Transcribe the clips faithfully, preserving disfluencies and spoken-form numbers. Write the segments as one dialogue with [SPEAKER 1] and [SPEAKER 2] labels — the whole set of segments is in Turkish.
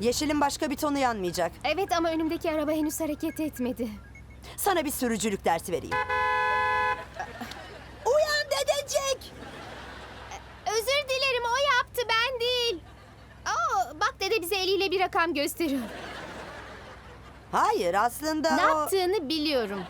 [SPEAKER 1] Yeşilin başka bir tonu yanmayacak.
[SPEAKER 2] Evet ama önümdeki araba henüz hareket etmedi.
[SPEAKER 1] Sana bir sürücülük dersi vereyim. Uyan dedecik!
[SPEAKER 2] Özür dilerim, o yaptı, ben değil. Aa, bak dede bize eliyle bir rakam gösteriyor.
[SPEAKER 1] Hayır, aslında
[SPEAKER 2] Ne
[SPEAKER 1] o...
[SPEAKER 2] yaptığını biliyorum.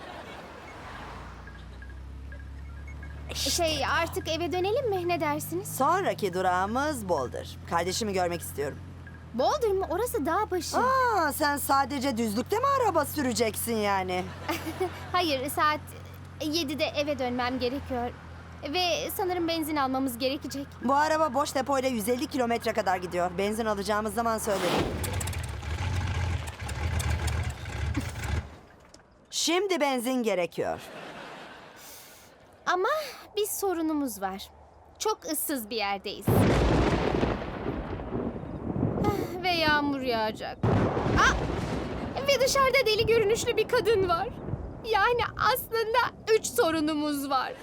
[SPEAKER 2] Şey, artık eve dönelim mi? Ne dersiniz?
[SPEAKER 1] Sonraki durağımız Boulder. Kardeşimi görmek istiyorum.
[SPEAKER 2] Boulder mı? Orası dağ başı.
[SPEAKER 1] Aa, sen sadece düzlükte mi araba süreceksin yani?
[SPEAKER 2] Hayır, saat yedide eve dönmem gerekiyor. Ve sanırım benzin almamız gerekecek.
[SPEAKER 1] Bu araba boş depoyla yüz elli kilometre kadar gidiyor. Benzin alacağımız zaman söylerim. Şimdi benzin gerekiyor.
[SPEAKER 2] Ama bir sorunumuz var. Çok ıssız bir yerdeyiz. Ah, ve yağmur yağacak. Ah! Ve dışarıda deli görünüşlü bir kadın var. Yani aslında üç sorunumuz var.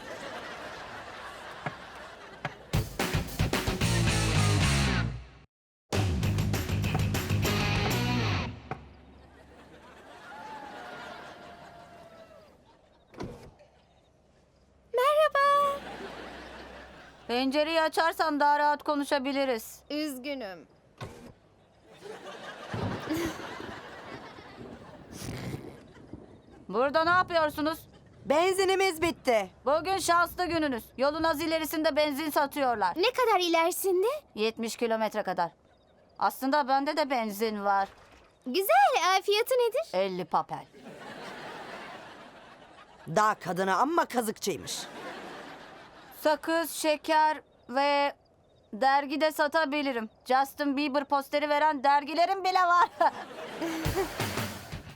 [SPEAKER 2] Merhaba.
[SPEAKER 3] Pencereyi açarsan daha rahat konuşabiliriz.
[SPEAKER 2] Üzgünüm.
[SPEAKER 3] Burada ne yapıyorsunuz?
[SPEAKER 1] Benzinimiz bitti.
[SPEAKER 3] Bugün şanslı gününüz. Yolun az ilerisinde benzin satıyorlar.
[SPEAKER 2] Ne kadar ilerisinde?
[SPEAKER 3] yetmiş kilometre kadar. Aslında bende de benzin var.
[SPEAKER 2] Güzel. Ee, Fiyatı nedir?
[SPEAKER 3] elli papel.
[SPEAKER 1] Dağ kadını amma kazıkçıymış.
[SPEAKER 3] Sakız, şeker ve dergi de satabilirim. Justin Bieber posteri veren dergilerim bile var.